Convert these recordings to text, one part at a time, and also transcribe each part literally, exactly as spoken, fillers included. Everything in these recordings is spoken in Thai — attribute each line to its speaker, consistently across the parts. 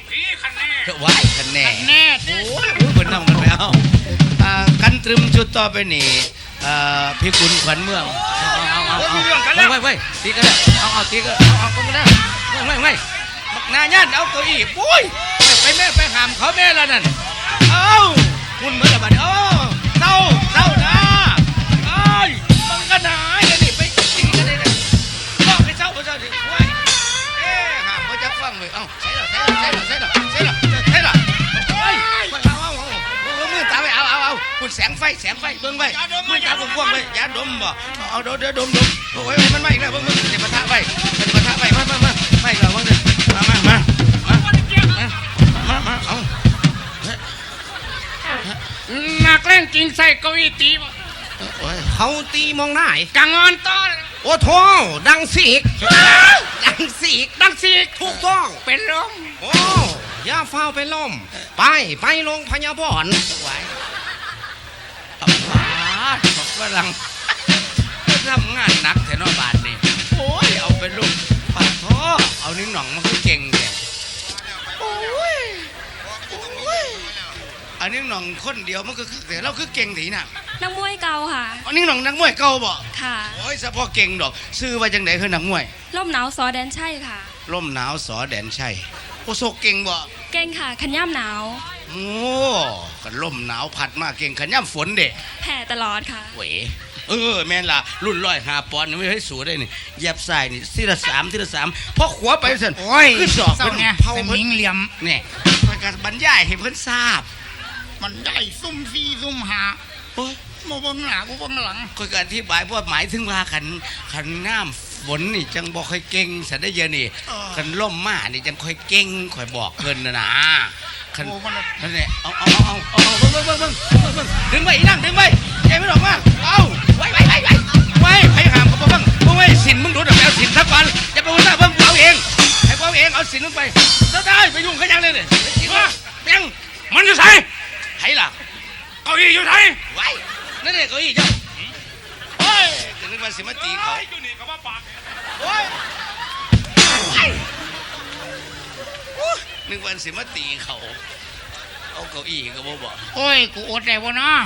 Speaker 1: ตีคันแน่
Speaker 2: ว้ายคันแน่
Speaker 1: แน่
Speaker 2: โอ้ยคนนำกันไปเอากันตรึมชุดต่อไปนี่พี่ขุนขวัญเมืองเอาเอาเอาเอาไว้ไว้ตีกันแล้วเอาเอาตีกันเอาเอากันแล้วไม่ไม่บักนาญาติเอาเก้าอี้ปุ้ยไปแม่ไปหามเขาแม่แล้วนั่นเอาคุณเมื่อไหร่เออเต้าเต้านะเอ้ยบังกันหายเลยนี่ไปตีกันเลยบอกให้เจ้าเจ้าดิโอ้ยเอ๊ะหามเขาจะฟังเลยเอ้าใช่หรอใช่หรอใช่หรอใช่หรอใช่หรอใช่หรอเฮ้ยเอาเอาเอามือตาไปเอาเอาเอาคุณแสงไฟแสงไฟเบิ้งไฟมือตาผมพ่วงเลยยาดมบ่เอาเดี๋ยวเดี๋ยวดมดมโอ้ยมันไม่อีกแล้วเบิ้งเบิ้งเดี๋ยวปะทะไปเดี๋ยวปะทะไปมามามาไม่เหรอวะเนี่ยมามามามามาเอา
Speaker 1: นักเล่นจริงใส่เก้าอี้ตี
Speaker 3: เขาตีมองหน้า
Speaker 1: กังอนต้อน
Speaker 3: โอ้โถดังสีกดังสีก
Speaker 1: ดังสีก
Speaker 3: ถูกต้อง
Speaker 1: เป็นลม
Speaker 3: โอ้ย่าเฝ้าเป็นลมไปไปโรงพยาบาล
Speaker 2: ไว้เอาบาดบอกว่าลังทำงานหนักแถวนอบาทนี่โอ้ยเอาเป็นลูกปัดท้อเอานิ้งหน่องมันคือเก่งเนี่ยโอ้ยอันนี้หน่องคนเดียวมันก็คือแต่เราคือเก่งถีน่ะ
Speaker 4: นักมวยเก่าค่ะ
Speaker 2: อันนี้หน่องนักมวยเก่าบ่
Speaker 4: ค่ะ
Speaker 2: โอ้ยเฉพาะเก่งดอกซื้อไว้จังไหนคือนักมวย
Speaker 4: ล่มหนาวสอแดนใช่ค่ะ
Speaker 2: ล่มหนาวสอแดนใช่โอ้โซเก่งบ่
Speaker 4: เก่งค่ะขันย่ำหนาว
Speaker 2: โอ้กันล่มหนาวพัดมาเก่งขันย่ำฝนเด็
Speaker 4: แผ่ตลอดค่ะ
Speaker 2: เว้ยเออแม่นล่ะรุ่นร้อยหาปอนด์ไม่ให้สูได้นี่เหยียบใส่นี่ทีละสามทีละสามพอขวาไปเสร็จ
Speaker 1: โอ้ย
Speaker 2: ขึ้นสอบ
Speaker 1: เป็นไงเผาเพิ่นเหลี่ยม
Speaker 2: เนี่ยไปการบรรยายให้เพิ่นทราบ
Speaker 1: มันได้ซุ่มซีซุ่มหาโอ้ยโมบังหน้ากูบังหลัง
Speaker 2: ก็การอธิบายว่าหมายถึงว่าขันขันน้ำฝนนี่จังบอกค่อยเก่งสันได้เยอะนี่ขันล่มมานี่จังค่อยเก่งค่อยบอกเพิ่นนะนะขันนั่นแหละเอาเอาเอาเอาเอาเบิ้งเบิ้งเบิ้งเบิ้งดึงไปอีนั่งดึงไปใจไม่หลอกมาเอาไว้ไว้ไว้ไว้ไว้ให้หามเขาเบิ้งเบิ้งไว้สินมึงดูดเอาสินทักวันอย่าไปวุ่นวายเบิ้งเอาเองให้เอาเองเอาสินลงไปได้ไปยุ่งขยันเลยเนี่ยยัง
Speaker 1: มันจะใส่
Speaker 2: ไห้ล่ะ
Speaker 1: เก้าอี้อยู่ไหน
Speaker 2: ไว้นั่นเองเก้าอี้เจ้าโอ้ยจะนึกว่าสิมาตีเขา
Speaker 1: อยู่นี่เขาว่าปาก
Speaker 2: โอ้ยนึกว่าสิมาตีเขาเอาเก้าอี้ก็บ่บอก
Speaker 1: โอ้ยกูอดได้บ่นะ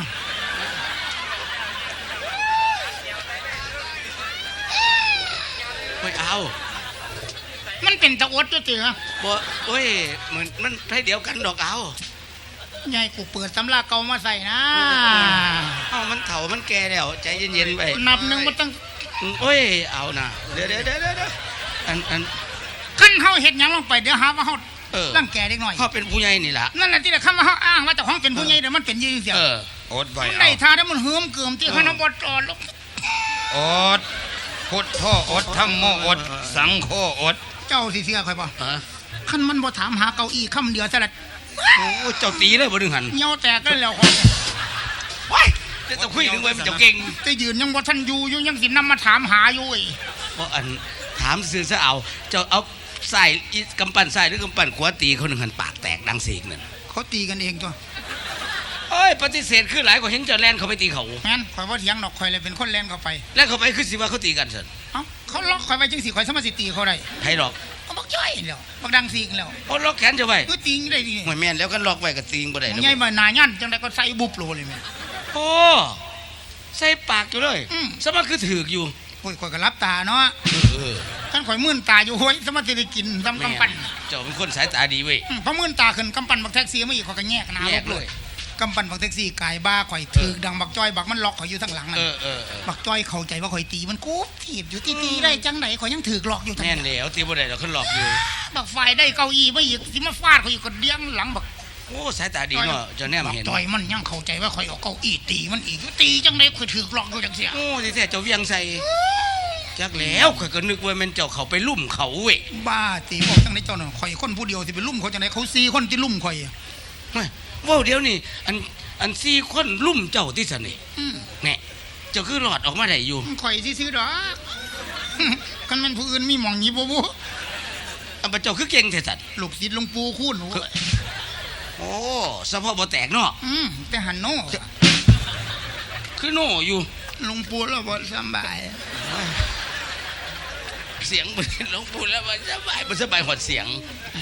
Speaker 2: ไม่เอา
Speaker 1: มันเป็นตะอดตัวเตือ
Speaker 2: บ่โอ้ยเหมือนมันให้เดียวกันดอกเอา
Speaker 1: ใหญ่กูเปิดตำราเก่ามาใส่นะ
Speaker 2: เอามันเถ่ามันแก่แล้วใจเย็นๆไป
Speaker 1: นับหนึ่งมันตั้ง
Speaker 2: โอ้ยเอานะเดี๋ยวเดี๋ยวเดี๋ยวเดี๋ยวอันอัน
Speaker 1: ขั้นเขาเห็ดยังลงไปเดี๋ยวหาว่าเขาร่างแก่เด็กหน่อย
Speaker 2: เขาเป็นผู้ใหญ่นี่แหละ
Speaker 1: นั่นแหละที่เราคำว่าเขาอ้างว่าแต่ของเป็นผู้ใหญ่เดี๋ยวมันเป็นยืนเสีย
Speaker 3: อดไว้
Speaker 1: มันได้ทาได้มันเหื่อมเกื่อมที่ขนมบดจอดลง
Speaker 3: อดพุทโธอดธรรมโมอดสังโฆอด
Speaker 1: เจ้าสิเสียใครบ่ขั้นมันบ่ถามหาเก้าอี้คำเดียวซะละ
Speaker 2: โอ้เจ้าตีเลยบ่ดึงหัน
Speaker 1: เงาแตกกันแล้วคน
Speaker 2: ว้ายจะคุยถึงไว้มันจะเก่ง
Speaker 1: จะยืนยังบ่ท่านอยู่อยู่ยังสินำมาถามหาอยู่อี
Speaker 2: เพราะอันถามซื้อซะเอาเจ้าเอาใส่กำปั้นใส่หรือกำปั้นขวาตีเขาหนึ่งหันปากแตกดังเสียงนั่น
Speaker 1: เขาตีกันเองจ้ะ
Speaker 2: เอ้ยปฏิเสธคือหลายกว่าเห็นเจ้าแลนเขาไปตีเขา
Speaker 1: แม่นข่อยว่าเถียงดอกข่อยเลยเป็นคนแลนเข้าไป
Speaker 2: แลนเข้าไปคือสิว่าเขาตีกันเสร็จ
Speaker 1: เอ้าเขาล็อกข่อยไว้จังสิข่อยสามารถสิตีเขาได้
Speaker 2: ใครหรอก
Speaker 1: เขาบอกจ้อยแล้วบอกดังสิงแล้ว
Speaker 2: โอ้ล็อกแขนจะไว้
Speaker 1: ก็ตีได้ดิ
Speaker 2: หวยแม่นแล้วกันล็อกไว้กับตีงบ่ได้
Speaker 1: ใหญ่บ่หนายันจังได๋ก็ใส่บุบโลเลยแม่
Speaker 2: โอ้ใส่ปากอยู่เลยสมาคือถือกอยู่
Speaker 1: โอ้ยข่อยก็รับตาเนาะเออท่านข่อยมื่นตาอยู่ห้ยสมาสิได้กินซ้ำกำปั้น
Speaker 2: เจ้าเป็นคนสายตาดีเว้ย
Speaker 1: พอมื่นตาขึ้นกำปั้นบักแท็กซี่มาอีกข่อยก็แยกหน้าลบเลยกำปั้นบักแท็กซี่กายบ้าข่อยถือกดังบักจ้อยบักมันล็อกข่อยอยู่ทั้งหลังนั่นบักจ้อยเข้าใจว่าข่อยตีมันกูถีบอยู่ตีตีได้จังไหนข่อยยังถือกล็อกอยู่ทั้ง
Speaker 2: แน่นแล้วตีบ่ได้เราขึ้นล็อกอยู่
Speaker 1: บักไฟได้เก้าอี้มาอีกสิมาฟาดข่อยอยู่ก็เดี้ยงหลังบัก
Speaker 2: โอ้สายตาดีเนาะเจ้าแนมเห็น
Speaker 1: จ้อยมันยังเข้าใจว่าข่อยเอาเก้าอี้ตีมันอีกตีจังไหนข่อยถือกล็อกอยู่จังเสีย
Speaker 2: โอ้ที่แท้เจ้าเวียงใส่จักแล้วข่อยก็นึกว่ามันเจ้าเขาไปลุ่มเขาเว้ย
Speaker 1: บ้าตีบอกจังไหนเจ้าน่ะข่อยคนผู้เดียวสิไปลุ่มเขาจังไหนเขาสี่คนที่ลุ่มข่อย
Speaker 2: ว่าเดี๋ยวนี้อันอันสี่คนลุ่มเจ้าที่สนิทเนี่ยเจ้าคือหลอดออกมาได้อยู่
Speaker 1: ข่อยซื้อดอกกันมันผู้อื่นมีหมองนี้บ่บ่
Speaker 2: อันเจ้าคือเก่งแท้สัตว์
Speaker 1: ลูกศิษย์หลวงปู่คูณ
Speaker 2: โอ้สะโพกบ่แตกเนาะ
Speaker 1: อืมแต่หันโน่
Speaker 2: คือโน่อยู่
Speaker 1: หลวงปู่แล้วบ่สบาย
Speaker 2: เสียงบ่หลวงปู่แล้วบ่สบายบ่สบายหอดเสียง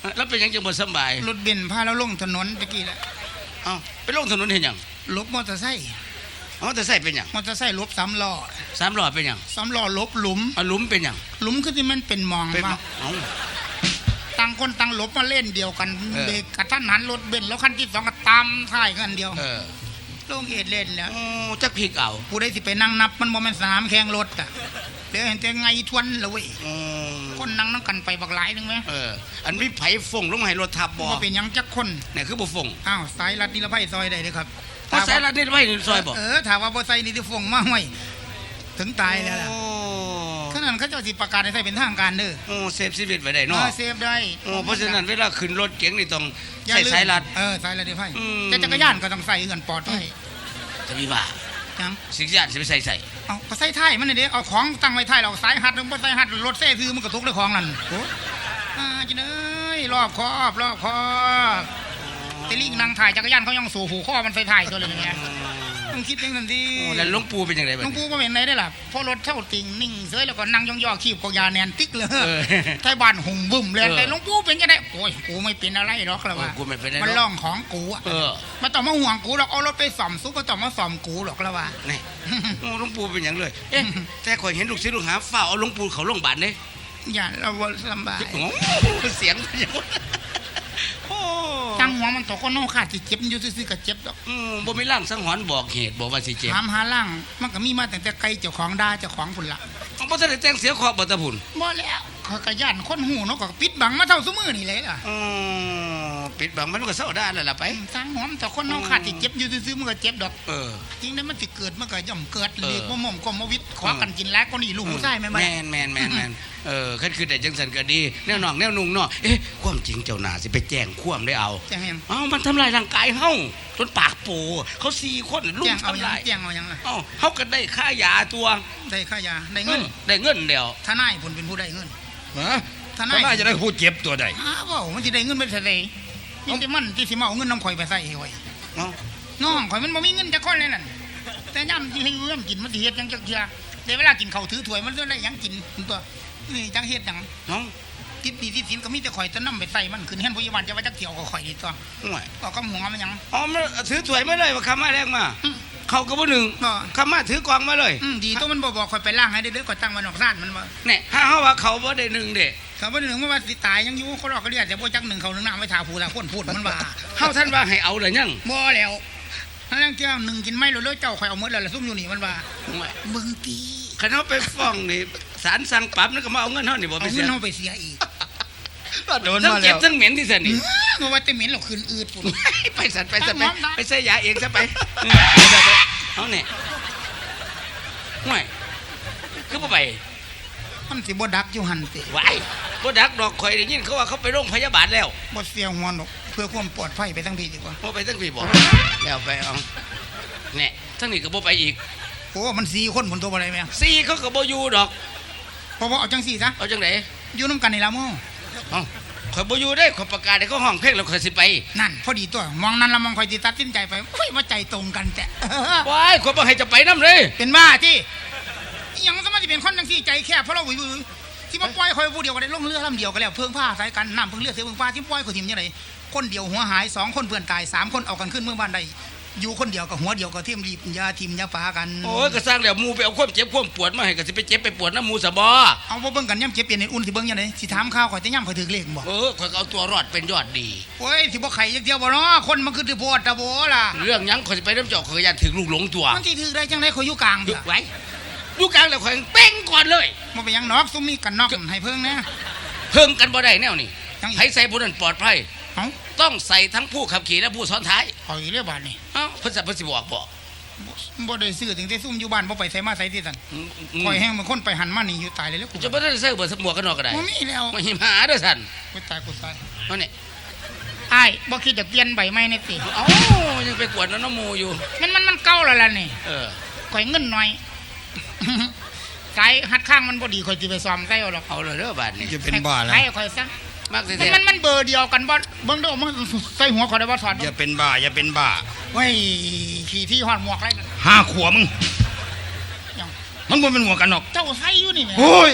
Speaker 2: แล้วเป็นหยังจังบ่สำบาย
Speaker 1: รถเบนซ์พาเราลงถนนตะกี้แหละ
Speaker 2: เอ้าไปลงถนนเห็นหยัง
Speaker 1: ลบมอเตอร์ไซค์
Speaker 2: อ๋อแต่ใส่เป็นหยัง
Speaker 1: มอเตอร์ไซค์ลบสามล้อ
Speaker 2: สามล้อเป็นหยัง
Speaker 1: สามล้อลบหลุม
Speaker 2: เอาหลุมเป็นหยัง
Speaker 1: หลุมคือที่มันเป็นหมอง
Speaker 2: เป็น
Speaker 1: ว่า
Speaker 2: เอ้า
Speaker 1: ต่างคนต่างหลบมาเล่นเดียวกัน
Speaker 2: เออ
Speaker 1: เบรกกระทันหันรถเบนซ์แล้วคันที่สองก็ตามท้ายกันเดียว
Speaker 2: เออ
Speaker 1: ลงเอ็ดเล่นแล้ว
Speaker 2: โอ้จักพีกเอา
Speaker 1: ผู้ใดสิไปนั่งนับมันบ่แม่นสนามแข่งรถอ่ะเดี๋ยวเห็นแต่ไงทวนละเว้ย
Speaker 2: อืม
Speaker 1: คนนั่งนั่งกันไปบักหลายนึงไหม
Speaker 2: เอออันมีไผฟงลงมาให้รถทับบ่
Speaker 1: ว่าเป็นหยังจักคน
Speaker 2: เนี่ยคือบ่ฟง
Speaker 1: อ้าวสายรัดนิรภัยซอยได้เลยครับ
Speaker 2: เพราะสายลัดนี่ไว้ในซอยบ่
Speaker 1: เออถามว่าบ่ใส่นี่ที่ฟงมาห้วยถึงตายแล้วล่ะ
Speaker 2: โอ้
Speaker 1: ขนาดเขาเจ้าสิประกาศให้ใส่เป็นทางการเด้อ
Speaker 2: โอ้เซฟชีวิตไว้ได้
Speaker 1: เอ
Speaker 2: เนาะ
Speaker 1: อเซฟได้
Speaker 2: โอ้เพราะฉะนั้นเวลาขึ้นรถเก๋งนี่ต้อง
Speaker 1: อย่
Speaker 2: ใส่
Speaker 1: ลืม
Speaker 2: สายลัด
Speaker 1: เออสายรัดนิรภัย
Speaker 2: อืม
Speaker 1: แต่จักรยานก็ต้องใส่เงินปลอดภัย
Speaker 2: จะมีว่า
Speaker 1: จัง
Speaker 2: สิกยานสิไปใส่ใส่
Speaker 1: เอาก็ใส่ท้ายมันนี่เด้เอาของตั้งไว้ท้ายเราสายหัดนึงบ่ใส่หัดรถเซ่ซื้อมันก็ทุกข์ด้วยของนั่นโอ้อ่าจิเอ้ยรอบคอบรอบคอบแต่ลิงนั่งถ่ายจักรยานเขายังสู่หูข้อมันใส่ท้ายตัวเลยเนี่ยต้องคิดอย่างนั้นดิ
Speaker 2: โอ้แล้วหลวงปู่เป็นยังไง
Speaker 1: ห
Speaker 2: บ้า
Speaker 1: ลวง
Speaker 2: ง
Speaker 1: ปู่ก็เป็นไรได้ล่ะพอรถเท่าติ่งนิ่งเสยแล้วก็นั่งย่องๆขีบกยาแนนติ๊กเลย
Speaker 2: เออ
Speaker 1: ไทยบ้านหุ่มบึ้มเลย
Speaker 2: เออ
Speaker 1: แต่หลวงปู่เป็นยังไงโอ้ยกูไม่เป็นอะไรหรอกแล้วว่า
Speaker 2: เออกูไม่เป็นไรหรอก
Speaker 1: มันล่องของกูอ่ะ
Speaker 2: เออ
Speaker 1: มาต้องมาห่วงกูหรอกเอารถไปซ่อมซุปมาต้องมาซ่อมกูหรอกแล้วว่า
Speaker 2: นี่โอ้หลวงปู่เป็นอย่างเลยเอ๊ะแต่ข่อยเห็นลูกศิษย์ลูกหาเฝ้าเอาหลวงปู่เขาโรงพยาบาลเด้
Speaker 1: อย่าเราบ่ลำบาก
Speaker 2: โอ้เสียงเป็นอย่างนั้นโอ้
Speaker 1: จังหัวมันตกก็นอกขาดสิเจ็บอยู่ซื่อๆก็เจ็บดอก
Speaker 2: อืมบ่มีร่างสังหรณ์บอกเหตุบอกว่าสิเจ็บ
Speaker 1: ถามหาล่างมันก็มีมาตั้งแต่ไกลเจ้าของด่าเจ้าของพุ่นละ
Speaker 2: เอาบ่ทันได้แต่งเสียขอบบ่ตะพุ่น
Speaker 1: บ่แล้วเขาก็ย่านคนหูเนาะก็ปิดบังมาเท่าซุมือนี่เลยล่ะ
Speaker 2: อ๋อปิดบังมันก็เศร้าได้แล้วล่ะไป
Speaker 1: ทางหัวมันตกคนนอกขาดสิเจ็บอยู่ซื่อๆมันก็เจ็บดอก
Speaker 2: เออ
Speaker 1: จริงๆแล้วมันสิเกิดมันก็ย่อมเกิด
Speaker 2: เออ
Speaker 1: เรียกว่าหม่อมกรมวิทย์ขอกันกินแล้วก็นี่ลูกหูใช่ไหม
Speaker 2: แมนแมนแมนแมนเออคันคือแต่จังสันก็ดีแนวหนองแนวนุ่งเนาะเอ๊ะความจริงเจ้าหน้าสิไปแจ้งความได้เอา
Speaker 1: แจ้งยัง
Speaker 2: เอ้ามันทำลายร่างกายเฮาจนปากโปเขาสี่คนลุ
Speaker 1: แจ้
Speaker 2: ม
Speaker 1: งเอา
Speaker 2: ทำ
Speaker 1: ยัง
Speaker 2: ลาย
Speaker 1: แจ้งเอายังล่ะ
Speaker 2: เอ้าเฮาก็ได้ค่ายาตัว
Speaker 1: ได้ค่ายาได้
Speaker 2: เงิ
Speaker 1: เงิ
Speaker 2: น
Speaker 1: น
Speaker 2: ได้เงินเดียว
Speaker 1: ทนายผลเป็นผู้ได้เงิน
Speaker 3: ฮะ
Speaker 1: ทนาย
Speaker 3: ทนายจะได้พูดเจ็บตัวใด
Speaker 1: อ้าวเว้ามันสิได้เงินไปเท่าใดมีแต่มันที่สิมาเอาเงินน้ำข่อยไปใส่ให้ข่อย
Speaker 2: เอ้า
Speaker 1: น้องข่อยมันบ่มีเงินจักคนเลยนั่นแต่ย่ำที่ให้เงินกินมันสิเฮ็ดหยังจักเทื่อแต่เวลากินข้าวถือถ้วยมันเรื่องได้หยังกินตัวนี่จังเฮ็ดหยัง
Speaker 2: เอ้า
Speaker 1: ติดหนี้ติดสินก็มีแต่ข่อยจะนำไปใส่มันขึ้นเฮียนพยาบาลจะว่าจักเที่ยวก็ข่อยนี่ตัว
Speaker 2: ห่วย
Speaker 1: ก็กำหัวมันหยัง
Speaker 2: อ๋อมันถือถ้วยมาเลยว่าคำมาแรกมา
Speaker 1: อืม
Speaker 2: เขาก็บ่หนึ่ง
Speaker 1: บ่
Speaker 2: คำมาถือกองมาเลย
Speaker 1: อืมดีตัวมันบ่บอกข่อยไปล้างให้ได้เด้อข่อยตั้งไว้นอกซ่านมันว่า
Speaker 2: เนี่ยถ้าเฮาว่าเขาบ่ได้หนึ่งเด้
Speaker 1: ถ้าบ่ได้หนึ่งมันว่าสิตายยังอยู่เขาหลอกก็เรียกแต่บ่จักหนึ่งเขาหนึ่งน้ำไว้ทาผู้ละคนพูดมันว่า
Speaker 2: เฮาท่านว่าให้เอาเลยยัง
Speaker 1: บ่แล้วถ้าเรื่องเจ้าหนึ่งกินไม่รู้เลยเจ้าข่อยเอาหมดแล้วล่ะซุ่มอยู่นี่มันว่า
Speaker 2: ห่วย
Speaker 1: มึงตี
Speaker 2: คันเฮาไปฟ้องนี่ศาลสั่งปรับนั่นก็มาเอาเงินเฮานี่บ่
Speaker 1: เอา
Speaker 2: ไป
Speaker 1: เงิ
Speaker 2: เสีย
Speaker 1: นเฮาไปเสียอีก
Speaker 3: โดน
Speaker 2: ทั้ง
Speaker 3: มา
Speaker 2: เจ็
Speaker 3: แล้
Speaker 2: บ
Speaker 3: ว
Speaker 2: ทั้งเหม็นที่สันนี่
Speaker 1: บ่ว่าแต่เหม็นหรอกคืนอืดพุ่น
Speaker 2: ไปสันไปสันไป
Speaker 1: ตั้งหมอมได้
Speaker 2: ไปใส่ยาเองซะไปเออไปไปเอาเนี่ยห่วยคือบ่ไป
Speaker 1: มันสิบ่ดักอยู่หั่นติ
Speaker 2: ไหวบ่ดักดอกข่อยได้ยินเขาว่าเขาไปโรงพยาบาลแล้ว
Speaker 1: บ่เสียหัวหนกเพื่อความปลอดภัยไปทั้งพี่ดีกว่า
Speaker 2: บ่ไปทั้งพี่บอกแล้วไปเอาเนี่ยทั้งนี้ก็บ่ไปอีก
Speaker 1: โอ้มันสี่คนผลตัวบ่ได้แม่
Speaker 2: สี่เขาก็บ่อยู่ดอก
Speaker 1: เพราะว่าเอาจังสี่ซะ
Speaker 2: เอาจังได๋
Speaker 1: อยู่นํกันนี่ล่ะหมู่
Speaker 2: เอ้าข่อยบ่อยู่ได้ข่อยประกาศให้เขาห้องเพลงแล้วข่อยสิไป
Speaker 1: นั่นพอดีตัวมองนั้นละมองข่อยสิตัดสินใจไปโอ้ยว่าใจตรงกันแต่
Speaker 2: ว้ายข่อยบ่ให้จะไปนำเลย
Speaker 1: เป็นบ้าที่อิหยังสมาสิเป็นคนจังสี่ใจแคบเพราะเราบุยๆสิมาปล่อยข่อยผู้เดียวก็ได้ลงเรือลำเดียวก็แล้วเพิ่งผ้าสายกันน้ำเพิ่งเรือเสือเพิ่งผ้าที่ปล่อยข่อยทิ่มจังไดคนเดียวหัวหายสองคนเพื่อนตายสามคนเอากันขึ้นเมืองบ้านใดอยู่คนเดียวกับหัวเดียวก็เทียมรีบยาทิมยาปากัน
Speaker 2: โอ้ยก็สร้างแล้วหมู่ไปเอาความเจ็บความปวดมาให้ก็สิไปเจ็บไปปวดน้ำหมู่ซะบ่
Speaker 1: เอาบ่เบิ่งกันย่ำเจ็บเปลี่ยนในอุ่นสิเบิ่งยังไงสิถามข่าวข่อยจะย่ำข่อยถือเลขบ่
Speaker 2: เออข่อยก็เอาตัวรอดเป็นยอดดี
Speaker 1: โอ้ยสิบ่ไข่จักเดียวบ่เนาะคนมันคือสิโพดตะโบล่ะ
Speaker 2: เรื่องหยังข่อยสิไปน้ำเจ้าข่อยอยากถึงลูกหลงตัว
Speaker 1: มันสิถือได้จังได๋ข่อยอยู่กลาง
Speaker 2: หยุ
Speaker 1: เด้
Speaker 2: ด
Speaker 1: อ
Speaker 2: ไว้อยู่กลางแล้วข่อยเป้งก่อนเลย
Speaker 1: บ่เป็นหยังนอกซุมมีกันนอกให้เพิ่งนะ
Speaker 2: เพิ่มกันบ่ได้แนวนี่
Speaker 1: จังอีก
Speaker 2: ให้ใส่ผู้นั้นปลอดภัย
Speaker 1: เอ้า
Speaker 2: ต้องใส่ทั้งผู้ขับขี่และผู้ซ้อนท้าย
Speaker 1: ข่อยเรียกบาดนี่
Speaker 2: เอ้าเพิ่นสิเพิ่นสิบอกบ่
Speaker 1: บ่ได้ซื้อถึงได้ซุ่มอยู่บ้านบ่ไปไสมาไสที่สั่น
Speaker 2: อืมอืม
Speaker 1: ข่อยแห้งเป็นคนไปหันมานี่อยู่ตายเลยแล้วกู
Speaker 2: จะบ่ได้ใส่เบิดสมวกกันนอกก็ได้
Speaker 1: บ่มีแล้ว
Speaker 2: มาหิมหาเด้อสั่น
Speaker 1: กูตายกูตาย
Speaker 2: เอานี่
Speaker 1: อ้ายบ่คิดจะเปลี่ยนใบไม้ในติ
Speaker 2: เอ้ายังไปกวดน้ำหมู่อยู่
Speaker 1: มันมันมันเก่าแล้วล่ะนี่
Speaker 2: เออ
Speaker 1: ข่อยเงินน้อย สายหัดข้างมันบ่ดีข่อยสิไปซ่อมใส่เอาหรอก
Speaker 2: เอาเลยเด้อบาดนี้
Speaker 3: จะเป็นบ้าแล้ว
Speaker 1: ให้ข่อยซะ
Speaker 2: มากสิ
Speaker 1: มันมันมันเบอร์เดียวกันบ่เบิ่งเด้อมันใส่หัวข่อยได้บ่ถอด
Speaker 3: อย่าเป็นบ้าอย่าเป็นบ้า
Speaker 1: เฮ้ยขี่ที่ฮอดหมวกไรนั่น
Speaker 3: ห้าขวบมึง
Speaker 1: ยัง
Speaker 3: มันบ่เป็นหัวกันหรอก
Speaker 1: เจ้าใส่อยู่นี่แหม
Speaker 3: โอ้ย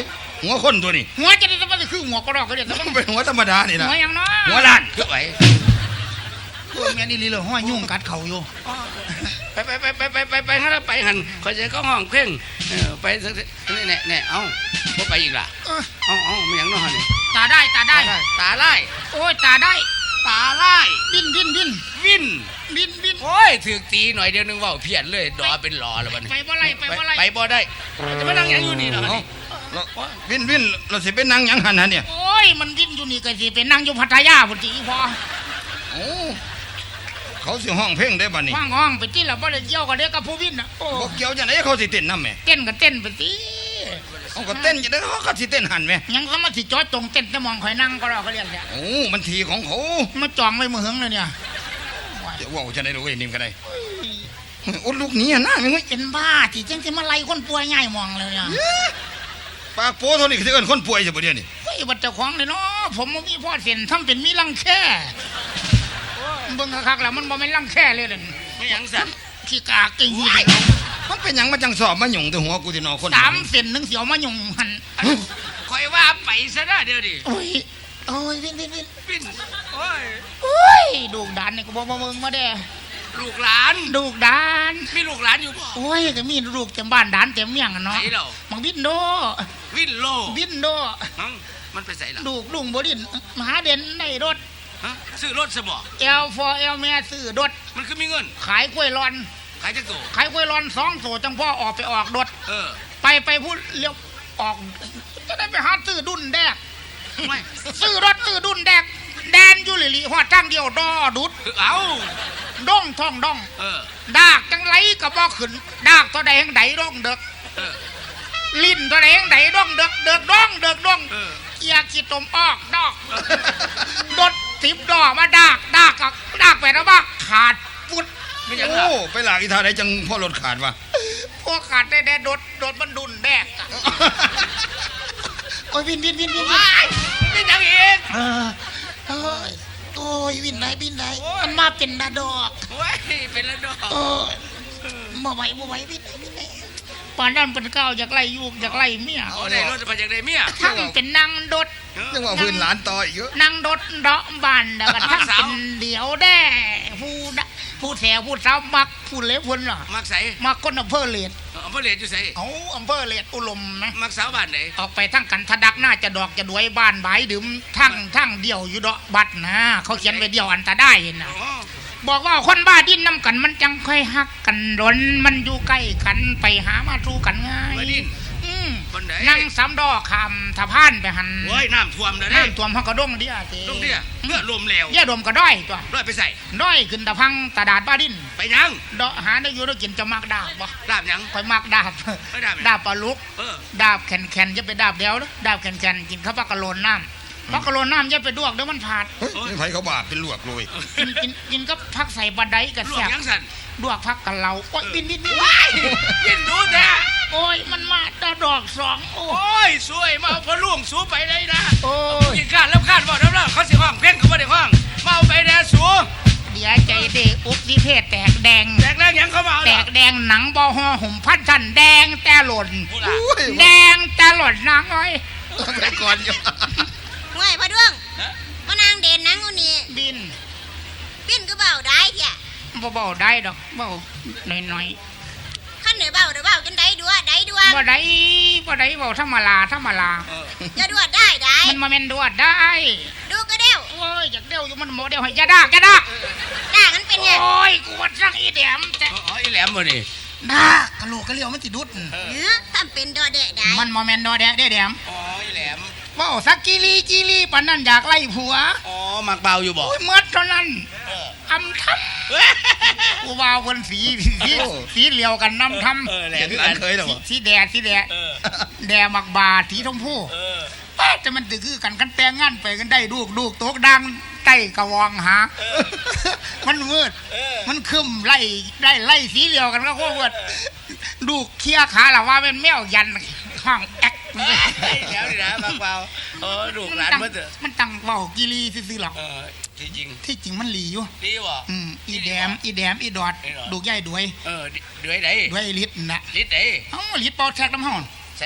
Speaker 3: หัวคนตัวนี้
Speaker 1: หัวจะได้มันคือหัวกระรอกก็เรียกแต่
Speaker 3: มั
Speaker 1: มัน น
Speaker 3: เป็นหัวธรรมดานี่นะ
Speaker 1: หัวอย่างน้อย
Speaker 3: หัวล้านคือไหว
Speaker 1: เออแม่นี่ลีเลยห้อยยุ่งกัดเข่าอยู่
Speaker 2: ไปไปไปไปไปไปไปหันไปหันคอยจะก็ห้องเพ่งเออไปสักนี่แน่แน่เอ้าบ่ไปอีกล่ะ
Speaker 1: เออ
Speaker 2: เอ้าเอ้าไม่ยังน้อนี่
Speaker 1: ตาได้ตาได้
Speaker 2: ตาไล่
Speaker 1: โอ้ยตาได้
Speaker 2: ตาไล่
Speaker 1: ดิ้นดิ้นดิ้น
Speaker 2: วิน
Speaker 1: ดิ้นดิ้น
Speaker 2: โอ้ยถือตีหน่อยเดียวนึงว่าเพี้ยนเลยดอเป็นหลอแล้วบัดนี้
Speaker 1: ไปบ่ไรไปบ่ไร
Speaker 2: ไปบ่ได้จะมานั่งยังอยู่นี่เหรอ
Speaker 3: เอ้า
Speaker 2: นี่
Speaker 3: แล้ววินวินเราสิเป็นนางหยังหันฮะเนี่ย
Speaker 1: โอ้ยมันดิ้นอยู่นี่ก็สิเป็นนั่งอยู่พัทยาพุ่นติพอ
Speaker 3: โอ้เขาสิห้องเพลงได้บัดนี้
Speaker 1: ว่างห้องไปที่ละบ่ได้เกี่ยวกับเด็กกับผู้วินน่ะโอ้
Speaker 3: บ่เกี่ยวจังได๋เขาสิเต้นนำแหม่
Speaker 1: เต้นก็เต้นไปสิ
Speaker 3: เขาก็เต้นจังได๋เขาก็สิเต้นหันแหม่
Speaker 1: ยังสมาสิจอดตรงเต้นแต่มองข่อยนั่งก็รอเขาเรียกเนี่ย
Speaker 3: โอ้มันทีของเขา
Speaker 1: มาจองไว้มือหึงเลยเนี่ย
Speaker 3: จะเว้าจังได๋ลูกเอ้ยนิ่มก็ได้โอ้ลูกหนี้อ่ะนะแม่งเอ้ย
Speaker 1: เป็นบ้าที่จังสิมาไล่คนป่วยง่ายมองเลยเนี่ย
Speaker 3: ปากโป้เท่านี้คือสิเอิ้นคนป่วยซะบ่เดี๋ยวนี้
Speaker 1: เฮ้ยบัดเจ้าของเลยเนาะผมบ่มีพ่อเส้นทำเป็นมีรังแค่เบิ่งคักๆแล้วมันบ่แม่นรังแค่เลยเด่น
Speaker 2: ไม่ยังสั่น
Speaker 1: ขี้กากกินอยู่
Speaker 3: มันเป็นหยังมาจังสอบมาหยุ่งแต่หัวกูที่นอคน
Speaker 1: สามเส้นหนึงเสียวมายุ่งหัน
Speaker 2: คอยว่าไปซะนะเดี๋ยวดิ
Speaker 1: โอ้ยโอ้ยวินวินวิน
Speaker 2: วินโอ้ย
Speaker 1: โอ้ยดูกดานนี่ก็บ่มาเบิ่งมาเด้
Speaker 2: ลูกหลาน
Speaker 1: ดูกดาน
Speaker 2: มีลูกหลานอยู่บ่
Speaker 1: โอ้ยก็มีลูกเต็มบ้านดานเต็มเมียงอะเนาะ
Speaker 2: ไหนเหรอ
Speaker 1: มังบินโด
Speaker 2: วินโล
Speaker 1: บินโด
Speaker 2: มั้งมันไปใส่ละ
Speaker 1: ลูกลุงบ่ดินมหาเด่นได้รถ
Speaker 2: ฮะซื้อรถซะบ่
Speaker 1: เอลฟอเอลแม่ซื้อรถ
Speaker 2: มันคือมีเงิน
Speaker 1: ขายกล้วยร้อน
Speaker 2: ขายจักโต
Speaker 1: ขายกล้วยร้อนสองโถจังพ่อออกไปออกรถ
Speaker 2: เออ
Speaker 1: ไปไปพูดเลี้ยวออกจะได้ไปหาซื้อดุนแดก
Speaker 2: ไม่
Speaker 1: ซื้อรถซื้อดุนแดกแดนอยู่หลิลิหัวทางเดียวดอดุด
Speaker 2: เอา
Speaker 1: ด้องท่องด้อง
Speaker 2: เออ
Speaker 1: ดากจังไรก็บ่ขึ้นดากตัวใดแห่งใดด้องเด็ก
Speaker 2: เออ
Speaker 1: ลิ้นตัวใดแห่งใดด้องเด็กเด็กด้องเด็กด้อง
Speaker 2: เออ
Speaker 1: เกียร์ขีดตมออกดอกดดสิบดอกมาดากดากกับดากไปแล้วว่าขาดฟุด
Speaker 2: ไม่ยัง
Speaker 3: โอ้
Speaker 2: ล่ะ
Speaker 3: ไปหลากอีท่าไหนจังพ่อรถขาดวะ
Speaker 1: พวกขาดได้แดดดดดดมันดุนแดกอะโอ้ยวินวินวินวินวิน
Speaker 2: ว้ายไม่ยังอีก
Speaker 1: เออโอ้ยโอ้ยวินไหนวินไหนมันมาเป็นนาดอก
Speaker 2: ว้ายเป็นละดอก
Speaker 1: โอ้ยบ่ไหวบ่ไหววินไหนวินไหนปานนั้นเป็นเก้าจากไล่ยูกจากไล่เมีย
Speaker 2: เอาได้รถจะไปจากได้เมีย
Speaker 1: ทั้งเป็นนางดด
Speaker 3: นึกว่าพื้นหลานต่ออีกเยอะ
Speaker 1: นางดดเดาะบานแล้วก็ทั้งเป็นเดียวแด้ผู้ดะผู้แถวผู้สาวมักผู้เล็บพุ่นเหรอ
Speaker 2: มักใส่
Speaker 1: มักคนอำเภอเลด
Speaker 2: อำเภอเหลียดอยู่ใส่
Speaker 1: เอาอำเภอเลดอุลมนะ
Speaker 2: มักสาวบ้านไหน
Speaker 1: ออกไปทั้งกันทะดักหน้าจะดอกจะดวยบ้านบายดื่มทั้งทั้งเดียวอยู่ดอกบัดนะเขาเขียนไว้เดียวอันตะได้นะ
Speaker 2: อ๋อ
Speaker 1: บอกว่าคนบ้าดิ้นน้ำกันมันจังค่อยหักกันร้นมันอยู่ใกล้กันไปหามาสู้กันง่าย
Speaker 2: มาดิน
Speaker 1: อืม
Speaker 2: คนไหน
Speaker 1: นั่งสามดอกคำทะพานไปหัน
Speaker 2: โอ้ยน้ำท่วมแล้วเด้
Speaker 1: น้ำท่วมเขากระด้งเดียเจ
Speaker 2: ลูกเนี่ยเลือดรวมแล้ว
Speaker 1: แย่ดมกระด้อยตัว
Speaker 2: ร้อยไปใส่
Speaker 1: ด้อยขึ้นตะพังตะดาดบ้าดิ้น
Speaker 2: ไปยัง
Speaker 1: ดอกหาได้อยู่ได้กินจะมักดาบบ่
Speaker 2: ดาบยัง
Speaker 1: ค่อยมักดาบ
Speaker 2: ไม่ดาบยัง
Speaker 1: ดาบปลาลุก
Speaker 2: เออ
Speaker 1: ดาบแข็งแข็งจะไปดาบเดียวนะดาบแข็งแข็งกินข้าวปลากระโลนน้ำปลากระโลนน้ำจะไปดวกเดี๋ยวมันผาด
Speaker 3: เฮ้ยนี่ไผเขาบาปเป็นลวกเลย
Speaker 1: กินกินกินก็พักใส่บะไดกับ
Speaker 2: ลว
Speaker 1: แซ่
Speaker 2: ก
Speaker 1: บ
Speaker 2: ยังสั่น
Speaker 1: ดวกพักกับเราโอ้ยบินบินบิน
Speaker 2: ว้ายยินดูแท้
Speaker 1: โอ้ยมันมาตาดอกสองโอ้
Speaker 2: โอ้ยสวยมาเอาพอล่วงสูไปเลยนะ
Speaker 1: โอ้ย
Speaker 2: ยิงการแล้วคาดบอกแล้วนะเขาสิห้องเพ่งเขาไม่ได้ห้องมาเอาไปแน่สู
Speaker 1: เดี๋ยวใจเด็กอุกสิเทศแตกแดง
Speaker 2: แตกแล้วยังเขามาเอา
Speaker 1: แต
Speaker 2: เหรอก
Speaker 1: แดงหนังบอห่อหุ่มพันชันแดงแต่หล่น
Speaker 2: พูดล่ะ
Speaker 3: อุ้ย
Speaker 1: แดงแต่หล่นนางอ้อย
Speaker 3: ไปก่อนอยู่
Speaker 5: ห่วยพ่อดวง
Speaker 2: ฮะ
Speaker 5: มานางเด่นนังคนนี้
Speaker 1: บิน
Speaker 5: ปิ้นก็เบาได้เถี่ย
Speaker 1: บ่เบาได้ดอกเบาหน่อยหน่อย
Speaker 5: ขั้นเหนือเบาเดี๋ยวเบาจนได้ดัวได้ดัว
Speaker 1: ๆบ่ได้บ่ได้เบาธรรมดาธรรมดา
Speaker 2: เออ
Speaker 5: จะดัวได้ได้
Speaker 1: มันมาเมนดวดได้
Speaker 5: ดูก็เดียว
Speaker 1: โอ้ยอยากเดียวอยู่มันโมเดลให้อยาดากอยาดาก
Speaker 5: ด่ากันเป็นไง
Speaker 1: โอ้ยกูว่าสั่งอีแดมแต่
Speaker 2: อ๋อไอ้แหลมบ่นี่
Speaker 1: ดากกะโหลกกะเลียวมันสิดุด
Speaker 5: เออทำเป็นดอเดะได้
Speaker 1: มันโมเมนดอแดะได้แดม
Speaker 2: อ๋อไอ้แหลม
Speaker 1: เว้าสักกิลีกิลีปานนั้นอยากไล่ผัว
Speaker 2: อ๋อมักเบาอยู่บ่
Speaker 1: โอ้ยหมดเท่านั้นอำทำกูว่าเพิ่นสีสีสีเหลียวกันน้ำทำ
Speaker 2: เออแหล
Speaker 3: เห็
Speaker 2: ม
Speaker 3: นกันเคยหรอ
Speaker 1: สี
Speaker 3: วะ
Speaker 1: สีแดดสีแดด
Speaker 2: เออ
Speaker 1: แดมักบาสีชมพู
Speaker 2: เออ
Speaker 1: ป้าจะมันตือคือกันกันแต่งงานไปกันได้ลูกลูกโตกดังใต้กระวองหา มันมืด
Speaker 2: เออ
Speaker 1: มันคึมไล่ไล่ไล่สีเหลียวกันก็โคตรมืดลูกเคลียร์ขาละว่าเป็นแมวยันห้องแอ๊ก
Speaker 2: ไอ้แหลมนี่นะมักเบาเออลูกหลาน
Speaker 1: ตั้ง
Speaker 2: เบิ่เถอะ
Speaker 1: มันตั้งเบากิรีซื่อๆหรอก
Speaker 2: เออจริง
Speaker 1: ที่จริงมันหลีอยู่
Speaker 2: ๆดีบ่
Speaker 1: อืมอีแดมอีแดมอีดอด
Speaker 2: อีดอด
Speaker 1: ลูกใหญ่ด้วย
Speaker 2: เออด้วยไหน
Speaker 1: ด้วยลิตรน่ะ
Speaker 2: ลิดไหน
Speaker 1: เอ้าลิตรเป่าแท็กน้ำห้อน
Speaker 2: ใช่เหรอ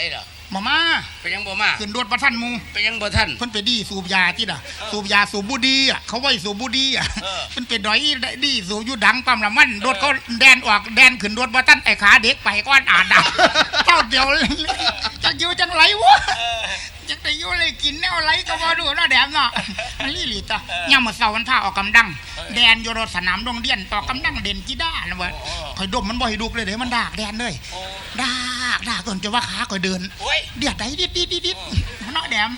Speaker 1: มามา
Speaker 2: ไปยังบ่มา
Speaker 1: ขึ้นรถประทันหมู
Speaker 2: ไปยังบ่ท่าน
Speaker 1: เพิ่นไปดีสูบยาที่น่ะสูบยาสูบบุดีอ่ะเขาไว้สูบบุดีอ่ะ
Speaker 2: เออ
Speaker 1: เพิ่นเป็นดอยดีสูบอยู่ดังปั๊มละมันรถเขาแดนออกแดนขึ้นรถประทันไอ้ขาเด็กไปก้อนอาดดังเจ้าเดียวเลยจักอยู่จังไรวะจักได้อยู่เลยกินแนวไรก็บ่ดูเนาะแดมเนาะมันลี่หลีตะยามมื้อเช้าวันท่าออกกำลังแดนอยู่รถสนามโรงเรียนต่อกำลังเด่นกีฬานะเว้ยข่อยดมมันบ่ให้ดุกเลยเด้มันดากแดนเลยดากดากจนจะว่าขาข่อยเดิน
Speaker 2: โอ้ย
Speaker 1: เดียดไดดิดดิดดิดดิดเนาะแดม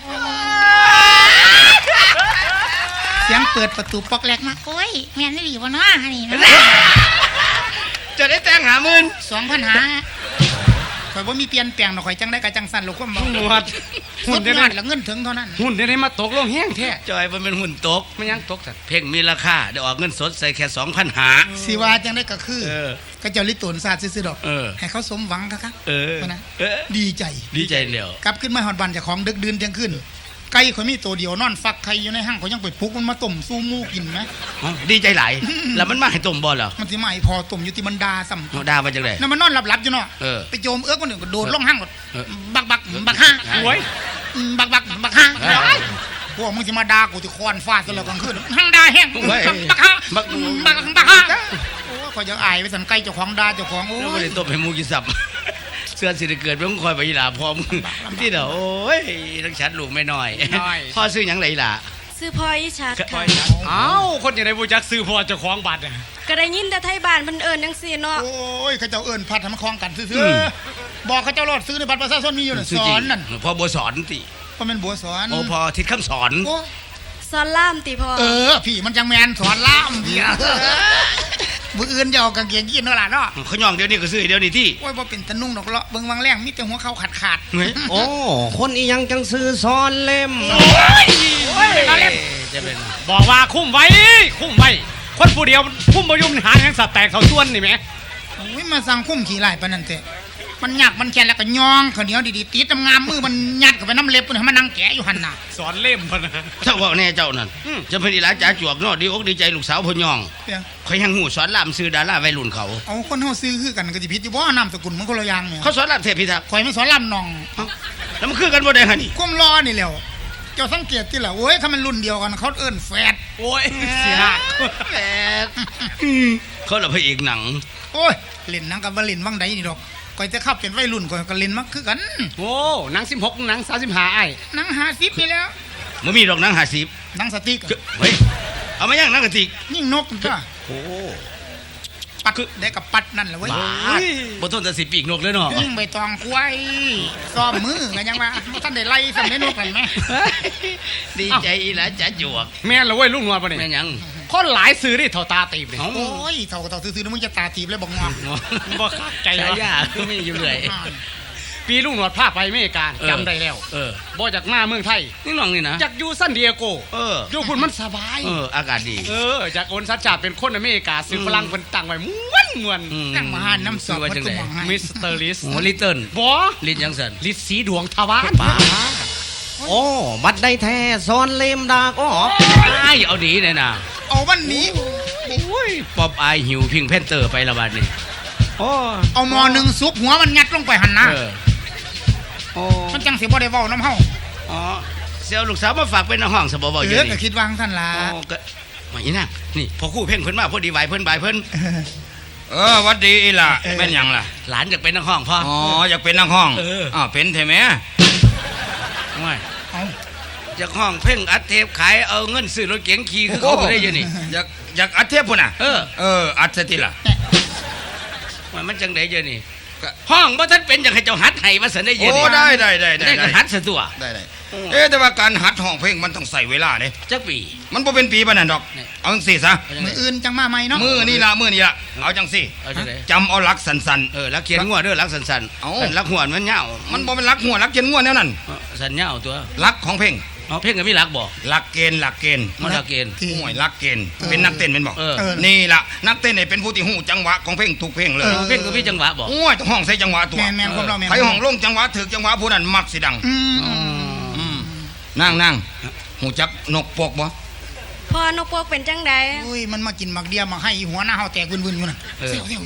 Speaker 1: เสียงเปิดประตูปอกแรกมาโอ้ยแม่นได้ดีบ่เนาะนี่นะ
Speaker 2: จะได้แต่งหาหมื่น
Speaker 1: สองพันหาข่อยบ่มีเปลี่ยนแปลงดอกข่อยจังได้ก็จังสั่นลูกความบ่
Speaker 6: หนวด
Speaker 1: สุ
Speaker 6: หุ่น
Speaker 1: ด
Speaker 6: เดี๋ยวย
Speaker 1: อ
Speaker 6: นี้
Speaker 1: ดแล้วเงินถึงเท่านั้น
Speaker 6: หุ่นเดี๋ยวนี้มาตกลงแห้งแท้
Speaker 2: จอยมันเป็นหุ่นตก
Speaker 6: ไม่ยังตกสัตว์
Speaker 2: เพ่งมีราคาได้ออกเงินสดใส่แค่สองพันหา
Speaker 1: สิว่าจังได้ก็คือ
Speaker 2: เออ
Speaker 1: ก็เจ้าลิตนศาสตร์ซื่อๆดอก
Speaker 2: เออ
Speaker 1: ให้เขาสมหวังครับ
Speaker 2: เออ
Speaker 1: เพราะนั้น
Speaker 2: เออ
Speaker 1: ดีใจ
Speaker 2: ดีใจเดียว
Speaker 1: กลับขึ้นมาฮอดบ้านเจ้าของดึกดื่นเที่ยงคืนไก่ข่อยมีตัวเดียวนอนฟักไข่อยู่ในห้างข่อยยังไปปลุกมันมาต้มสู้หมูกินไหม
Speaker 2: อ๋อดีใจหลายแล้วมันมาให้ต้มบ่เหรอ
Speaker 1: มันสิมาให้พอต้มอยู่ที่มันดาซ้ำ
Speaker 2: เอาด่ามาจังได๋
Speaker 1: นั่นมันนอนหลับๆอยู่เนาะ
Speaker 2: เออ
Speaker 1: ไปโจมเอื้อกคนหนึ่งก็โดดลงห้างหมด
Speaker 2: เออ
Speaker 1: บักบักบักห้า
Speaker 6: โอ้ย
Speaker 1: อืมบักบักบักห้า
Speaker 2: เออ
Speaker 1: พวกมึงจะมาด่ากูที่คอนฟาดกันแล้วกลางคืนห้างด่าแห้ง
Speaker 2: เฮ้ย
Speaker 1: บักห้า
Speaker 2: บัก
Speaker 1: บักบักห้าโอ้ยขอยจะอายไปสันไก่เจ้าของด่าเจ้าของโอ้
Speaker 2: แล้วบ่
Speaker 1: ย
Speaker 2: ได้ต้มให้หมูกินสับ เสื้อสิได้เกิดเพิ่งคอยไปอีหลาพร้อมที่เด้อโอ้ยทั้งชัดลูกไม่น้อยพ่อซื้อหยังไงล่ะ
Speaker 4: ซื้อพลอยชัดค่ะ
Speaker 6: เอ้าคนอย่างไรบูจักซื้อพอเจ้าของบัตรอะ
Speaker 4: ก็ได้ยินแต่ไทยบ้านเพิ่นเอิ้นจังซี่เนาะ
Speaker 1: โอ้ยเขาเจ้าเอิญพัดทำคลองกันซื้
Speaker 2: อื
Speaker 1: อ
Speaker 2: ม
Speaker 1: ๆบอกเขาเจ้ารอดซื้อในบัตรประชาชนมีอยู่น่ะ
Speaker 2: ซื้
Speaker 1: ส
Speaker 2: จริ
Speaker 1: อง นนั่น
Speaker 2: พ่อบัวสอนติ
Speaker 1: เพราะมันบัวสอน
Speaker 2: โอ้พอทิศคำสอน
Speaker 1: โอ้
Speaker 4: สอนล่ามติพ่อ
Speaker 1: เออพี่มันจังแมนสอนล่ามพี่มืออื่นจะเอากางเกงยีนเนาะล่ะเนาะ
Speaker 2: เขาย่องเดี๋ยวนี้ก็ซื้อเดี๋ยวนี้ที่
Speaker 1: โอ้ยบ่เป็นตะนุ่งดอกเลาะเบิ่งวังแรงมีแต่หัวเขาขาดขาดๆ
Speaker 2: เฮ้ย
Speaker 6: โอ้ คนอียังจังซื้อซ้อนเล่ม
Speaker 1: เอาเล่ม
Speaker 2: จะเป็น
Speaker 6: บอกว่าคุ้มไว้ คุ้มไว้ คนผู้เดียวคุ้มประยุมหาอย่างสัตว์แตกเขาส่วนนี่ไหม
Speaker 1: โอ้ยมาสั่งคุ้มขี่ไล่ปานนั้นเถอะมันยากมันแค่แล้วก็ย่องข้าวเหนียวดีๆติดงามมือมันยัดเข้าไปน้ำเล็บมันให้มันนั่งแกะอยู่หั่นน่ะ
Speaker 6: สอนเล่มพะนะ
Speaker 2: เจ้าว่าแน่เจ้านั่น
Speaker 6: อืม
Speaker 2: จะเป็นอีหลาจ๋าจวกเนาะดีอกดีใจลูกสาวพ่อย่อง
Speaker 1: เปียง
Speaker 2: เขายังหูสอนลามซื้อดาราวัยรุ่นเขา
Speaker 1: เอาคนเฮาซื้อคือกันก็สิผิดอยู่บ่นามสกุลมันคนละอย่างเนี่ย
Speaker 2: เขาสอนลามเทพพิทักษ์
Speaker 1: ข่อยมันสอนลำนอง
Speaker 2: แล้วมันคือกันบ่ได้ฮะนี่
Speaker 1: ความรอนี่แหล้วเจ้าสังเกตที่ล่ะโอ้ยถ้ามันรุ่นเดียวกันเขาเอิ้นแฝด
Speaker 6: โอ้ย
Speaker 1: เสีย
Speaker 2: แปดเขาละพระเอกหนัง
Speaker 1: โอ้ยเล่นหนังกับบ่เล่นวังใดนี่ดอกข่อยจะเข้าเป็นวัยรุ่นข่อยก็เล่นมาคือกัน
Speaker 6: โอ้หนังสิบหกหนังสามสิบห้าไอ้
Speaker 1: หนังห้าสิบนี่แล้ว
Speaker 2: มันมีดอกหนังห้าสิบ
Speaker 1: หนังสติ๊กอะ
Speaker 2: เฮ้ยเอามาย่างหนังกะติก
Speaker 1: ยิ่งนกจ้ะ
Speaker 2: โอ้
Speaker 1: ปัดได้กับปัดนั่นแหละเว้ย
Speaker 2: บาดบ่ทนแต่สิปีกนกเลยเนาะ
Speaker 1: ยิ่งใบตองควายซ้อมมือกันยังว่าบ่ท่านได้ไล่สำเร็จนกกันไหม
Speaker 2: ดีใจอีหลาจ๋าจวก
Speaker 6: แม่นเหรอเว้ยลุงนวลปะ
Speaker 2: แม่
Speaker 6: เนี่ย
Speaker 2: นหยัง
Speaker 6: คนหลายซื้อได้เท่าตาตีบเนี่ย
Speaker 2: เอ้า
Speaker 1: โอ้ยเท่ากับเท่าซื้อๆนะมึงจะตาตีบเลยบอกงอ
Speaker 6: บ่ขาดใจ
Speaker 2: ใจ
Speaker 6: วะ
Speaker 2: ยาคือมีอยู่เรื่อย
Speaker 6: ปีลุงนวลพาไปอเมริกา
Speaker 2: เออ
Speaker 6: จำได้แล้ว
Speaker 2: เออ
Speaker 6: บ่จากมาเมืองไทย
Speaker 2: นี่น้องนี่นะ
Speaker 6: จากอยู่ซันดิเอโก
Speaker 2: เออ
Speaker 6: อยู่คุณมันสบาย
Speaker 2: เอออากาศดี
Speaker 6: เออ จากโอนสัจจาเป็นคนอเมริกาซื้อ
Speaker 2: อืม
Speaker 6: ฝรั่งเป็นตังไว้ม้วนม้วน
Speaker 2: อืม
Speaker 1: ตั้งมาหาน้ำสอบ
Speaker 2: ว่าจังได๋
Speaker 1: วัตถุมองให้
Speaker 6: มิสเตอร์ลิส
Speaker 2: โอ้ลิตเติ้ล
Speaker 6: บอ
Speaker 2: ลินยังสัน
Speaker 6: ลิสสีดวงทวาร
Speaker 2: ป้า
Speaker 6: โอ้บัดได้แท้ซ้อนเล่มดากอ๋อ
Speaker 2: ไอ้เอาดีเลยนะ
Speaker 1: เอาวันนี้
Speaker 2: โอ้ยป๊อปอายหิวพิงแพนเตอร์ไปละบาดนี่
Speaker 6: โอ้
Speaker 1: เอาหมอหนึ่งซุปหัวมันงัดลงไปหันหน้า
Speaker 2: เออ
Speaker 6: โอ้
Speaker 1: มันจังสิบ่ได้เว้าน้ำเฮา
Speaker 2: อ๋อเซลลูกสาวมาฝากเป็นในห้องสบบ่
Speaker 1: เอ
Speaker 2: อยู่
Speaker 1: อ
Speaker 2: นี่
Speaker 1: ก็คิดวางท่านล่ะ
Speaker 2: อ๋อก็มาอีน่ะนี่พอคู่เพ่งเพิ่นมาพอดีไหวเพิ่นบายเพิ่น
Speaker 3: เออหวัดดีอีหล่ะแม่นหยังล่ะ
Speaker 2: หลานอยากเป็นนักห้องพ่อ
Speaker 3: อ๋ออยากเป็นนักห้อง
Speaker 2: เออ
Speaker 3: อ้าวเป็นใช่ไหม
Speaker 2: ไม่
Speaker 1: เอา
Speaker 2: จากห้องเพ่งอัดเทปขายเอาเงินซื้อรถเก๋งขี่คือเขาบ่ได้อยู่นี่
Speaker 3: อยากอยากอัดเทปพุ่นน่ะ
Speaker 2: เออ
Speaker 3: เอออัดซะทีล่ะ
Speaker 2: ว่ามันจังได๋อยู่นี่ห้องบ่ทันเป็นอยากให้เจ้าหัดให้มาสันได้อยู่
Speaker 3: โอ้
Speaker 2: นี่
Speaker 3: ได้ได้ได้
Speaker 2: ได้
Speaker 3: ได้
Speaker 2: ก็หัดซะตัว
Speaker 3: ได้ได้เอ๊ะแต่ว่าการหัดห้องเพลงมันต้องใส่เวลาเด้
Speaker 2: จักปี
Speaker 3: มันบ่เป็นปีปานนั้นดอก
Speaker 2: นี่
Speaker 3: เอาจังซี่ซะ
Speaker 2: เอาจัง
Speaker 1: มื
Speaker 2: ได๋
Speaker 1: ออื่นจังมาใหม่เนาะ
Speaker 3: มือนี่ล่ะมือนี่ล่ะเอาจังซี่
Speaker 2: เอาจังได๋
Speaker 3: จำเอาหลักสัน
Speaker 2: เออลักเขียนงัวเด้อลักสันๆ
Speaker 3: เอ้า
Speaker 2: นลักหัวมันยาว
Speaker 3: ๆมันบ่เป็นหลักหัวหลักเจนงัวแนวนั้น
Speaker 2: เออสันยาวตัว
Speaker 3: หลักของเพลง
Speaker 2: เอาเพ่งก็มีลักบ่
Speaker 3: หลักเกณฑ์หลักเกณฑ์
Speaker 2: มันลักเกณฑ์
Speaker 1: ที่
Speaker 3: ห่วยหลักเกณฑ์เป็นนักเต้นเป็นบอก
Speaker 2: เออ
Speaker 1: เออ
Speaker 3: นี่ล่ะนักเต้นนี่เป็นผู้ที่หูจังหวะของเพลงทุกเพลงเลย
Speaker 1: เออ
Speaker 2: เพ่งก็มีจังหวะบ่
Speaker 3: โอ้ยต้องห้องใส่จังหวะตัว
Speaker 1: แม่นแม่นความเราแม่น
Speaker 3: ใครห้องลงจังหวะถึกจังหวะผู้นั้นมักสิดัง
Speaker 1: อืม
Speaker 3: อืมนั่งนั่งหูจักนกปกบ่
Speaker 4: พ่อนกพวกเป็นจังใด
Speaker 1: อุ้ยมันมากินหมักเดียมาให้หัวหน้าเฮาแตกวุ่นๆอยู่น่ะ
Speaker 2: เออ
Speaker 1: เสียวๆอยู่น่ะ
Speaker 2: เ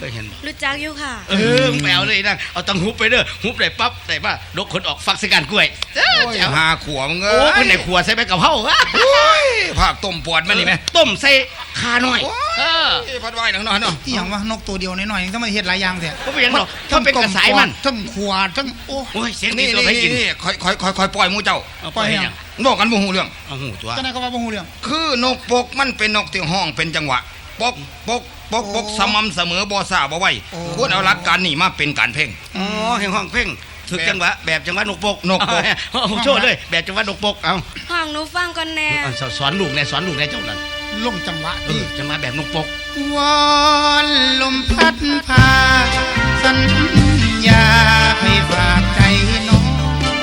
Speaker 2: ยเห็นบ่
Speaker 4: รู้จักอยู่ค่ะ
Speaker 2: เออแปลวเลยนะเอาตังหุบไปเด้อหุบได้ปั๊บได้ป่ะดกคนออกฟักสกันกล้วยเอ้อ
Speaker 3: โอ้ย
Speaker 2: แจ๋ว
Speaker 3: หาขวมึงเอ้
Speaker 2: โอ้
Speaker 3: ย
Speaker 2: คนไหนขัวใส่ใบกะเพราอะ
Speaker 3: โอ้ยผักต้มปอดมันนี่ไหม
Speaker 2: ต้มใส่คาหน่อยเออ
Speaker 3: เอ้ยพัดไว้หนังนอนเนาะ
Speaker 1: ที่อย่างว่านกตัวเดียวน้อยๆยังต้องมาเฮ็ดหลายอย่างแท้
Speaker 2: ก็ไม่ยังหรอกถ้าเป็นกระสายมัน
Speaker 1: ทั้งขวดทั้งโอ้
Speaker 2: โอ้ยเสียงดี
Speaker 3: นี่
Speaker 2: ตัว
Speaker 3: นี่
Speaker 2: ให้กิน
Speaker 3: นี่คอยคอยคอยคอยปล่อยหมูเจ้า
Speaker 2: เอาปล่อยให้ยัง
Speaker 3: บอกกันบ่ฮู้เรื่อง
Speaker 2: เอาหูตัว
Speaker 1: เจ้านายก็ว่าบ่ฮู้เรื่อง
Speaker 3: คือนกปกมันเป็นนกที่ห้องเป็นจังหวะปกปกปกปก
Speaker 1: โอ้
Speaker 3: สม่ำเสมอบ่ซ่าบ่ไหว
Speaker 1: โอ้
Speaker 3: ควรเอาหลักการนี่มาเป็นการเพ่ง
Speaker 2: อ๋อแห่งห้องเพ่งถึกจังหวะแบบจังหวะนกปก
Speaker 3: นกปก
Speaker 2: เอาเอาโชว์เลยแบบจังหวะนกปกเอา
Speaker 4: ห้องหนูฟังก่อนแน่
Speaker 2: เอาสอนสอนลูกแน่สอนลูกแน่เจ้านั่น
Speaker 1: ลงจังหวะ
Speaker 2: เอ
Speaker 1: ที่
Speaker 2: อจังหวะแบบนกปก
Speaker 1: วอนลมพัดพาสัญญาให้ฝากใจน้อง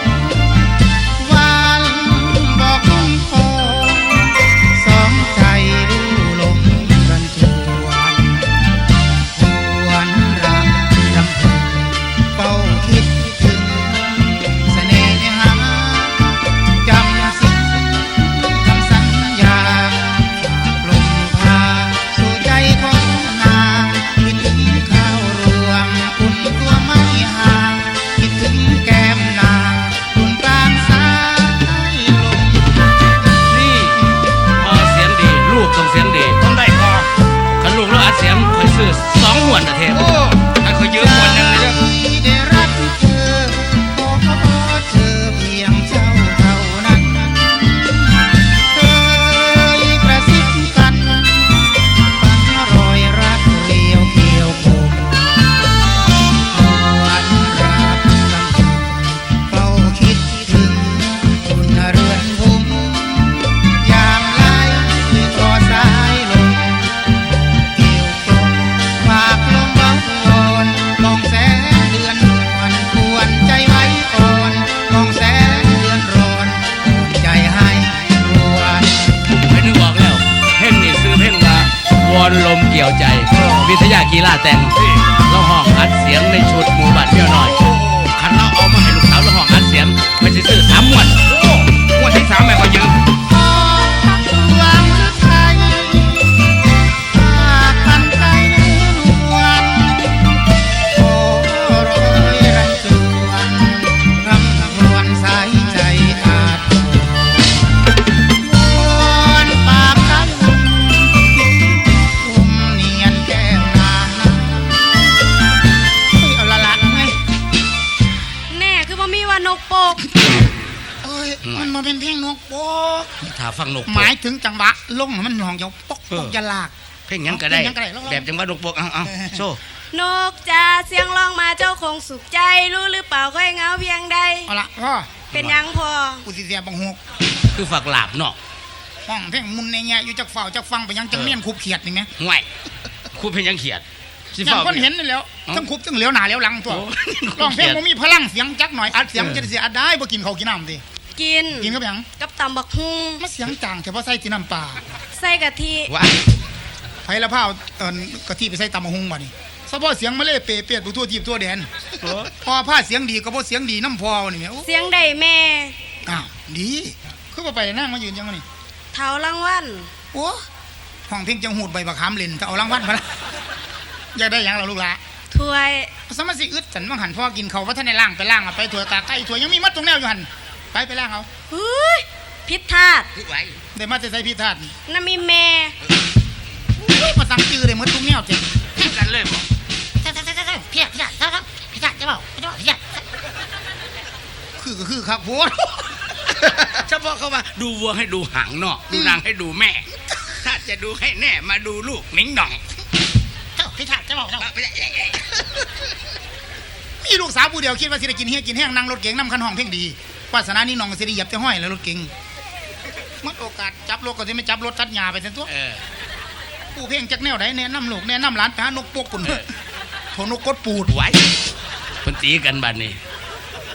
Speaker 1: วันบอกคงพอสองใจรู้ลมกันทวนหวนรักรำพึงเฝ้าคิดถึงเสน่หาจำสิ่งคำสัญญาฝากลมพาสู่ใจของนางคิดถึงข้าวรวงอุ่นตัวไม่ห่างคิดถึงแก้มนางอุ่นกลางสายลม
Speaker 2: นี่พอเสียงดีลูกต้องเสียงดี
Speaker 3: ต้องได้พอ
Speaker 2: คันลูกแล้วอัดเสียงคอยซื้อสองหวนนะเทพ
Speaker 3: โอ้ให้เขายืมคนหนึงเลยเด้อ
Speaker 1: ได้รักเธอขอเธอเพียงเจ้าเท่านั้นเคยกระซิบกันฝันรอยรักเรียวเกี่ยวคมหวนรักลำพึงเฝ้าคิดถึงคุณเรือนพุ่มยามไหลทอสายลมเกี่ยวกลมฝากลมเบาโอนมองแสงเดือนนวลควรใจไว้ก่อนมองแสงเดือนร้อนโอนใจให้รวน
Speaker 2: ไม่นึกออกแล้วเพลงนี่ซื้อเพลงว่าวอนลมเกี่ยวใจ วิทยากีฬาแต่งเราห้องอัดเสียงในชุดหมู่บ้านเที่ยวน้อยคันเราเอามาให้ลูกสาวเราห้องอัดเสียงไปสิซื้อสามหมวด
Speaker 3: โอ้งวดที่สามให้เขายืม
Speaker 1: พอพักหวังไทยฝากกันใจนวลโอ้รอยรันจวนรำครวญสายใจอาจวอนปากคำคุมเนียนแก้มนางเฮ้ยเอาละละไง
Speaker 4: แน่คือบ่มีว่านกโปก
Speaker 1: เอ้ยมันมาเป็นเพลงนกโป๊ก
Speaker 2: ถ้าฟังนก
Speaker 1: หมายถึงจังหวะลงมันหองจะปกปกจะลาก
Speaker 2: เพลงหยังก็ได้
Speaker 1: เพลงหยังก็ได้ลองๆ
Speaker 2: แบบจังหวะนกปกเอาเอาโซ่
Speaker 4: นกจ้าเสียงร้องมาเจ้าคงสุขใจ รู้หรือเปล่าค่อยเหงาเพียงใด
Speaker 1: เอาละพ่อ
Speaker 4: เป็นหยังพอ
Speaker 1: กูสิเสียบังหก
Speaker 2: คือฝักหลาบเนาะ
Speaker 1: ห้องเพลงมุนในแง่อยู่จากเฝ้าจากฟังไปยังจังเมียนคุบเขียดนี่ไหม
Speaker 2: ห่วยครูเพลงหยังเขียดสิ
Speaker 1: ยัง
Speaker 2: ฝ้า
Speaker 1: คนเห็นนี่แหล้ว
Speaker 2: เอ้า
Speaker 1: ทั้งคุบทั้งเหลียวหน้าเหลียวหลังตัว
Speaker 2: โอ้
Speaker 1: ร้องเพลง
Speaker 2: เขียด
Speaker 1: มันมีพลังเสียงจักหน่อยอัดเสียงจะได้เสียอัดได้บ่กินข้าวกินน้ำดิ
Speaker 4: กิน
Speaker 1: กินกับหยัง
Speaker 4: กับตำบักฮุง
Speaker 1: มาเสียงจางแต่ว่าใส่ที่น้ำปลา
Speaker 4: ใส่กะทิ
Speaker 2: ว่า
Speaker 1: ไผละพาวเอิ้นกะทิไปใส่ตำบักหุงบ่นี่เฉพาะเสียงมาเลยเปเปียดผู้ทั่วทีบทั่วแดนพอผ้าเสียงดีก็บ่เสียงดีน้ำพอนี่แหมโอ้
Speaker 4: เสียงใดแม่
Speaker 1: อ้าวดีคือบ่ไปนั่งมายืนจังวะนี่
Speaker 4: เท้ารางวัล
Speaker 1: โอ้ห้องเพลงจังหูดใบบักขามเล่นถ้าเอารางวัลมาละอยากได้หยังล่ะลูกหลา
Speaker 4: ถ้วย
Speaker 1: สมาสิอึดสันว่างหันพ่อกินเขาวว่าท่านในล่างไปล่างเอาไปถั่วตาไก่ถั่วยังมีมัดตรงแนวอยู่หันไปไปล่างเอา
Speaker 4: เฮ้ยพิษธาตุ
Speaker 2: คือไว้
Speaker 1: ได้มาจะใส่พี่ทาดนี่
Speaker 4: น้ำมีแม่
Speaker 1: อุ้ยมาสั่งจื้อเลยมัดตรงแนวเจ็บ
Speaker 2: กันเลยบ่
Speaker 1: พี่พี่ทาดพี่ทาดจะบอกพี่ทาดพี่ทาดคือก็คือครับโพด
Speaker 2: เฉพาะเขาว่าดูวัวให้ดูหางเนาะดูนางให้ดูแม่ ถ้าจะดูให้แน่มาดูลูกหนิงหน่อง
Speaker 1: พี่ทาดจะบอกมีลูกสาวผู้เดียวคิดว่าสิได้กินเฮียกินแห้งนั่งรถเก๋งนำคันห้องเพลงดีวาสนานี่น้องสิได้เหยียบแต่ห้อยแล้วรถเก๋งมัดโอกาสจับรถก็สิไม่จับรถตัดหญ้าไปเส้นตัว
Speaker 2: เออ
Speaker 1: ผู้เพลงจักแนวใดแนะนำลูกแนะนำหลานไปหานกปกปุ่นโถนกกดปูด
Speaker 2: ไว้เพิ่นตีกันบัดนี้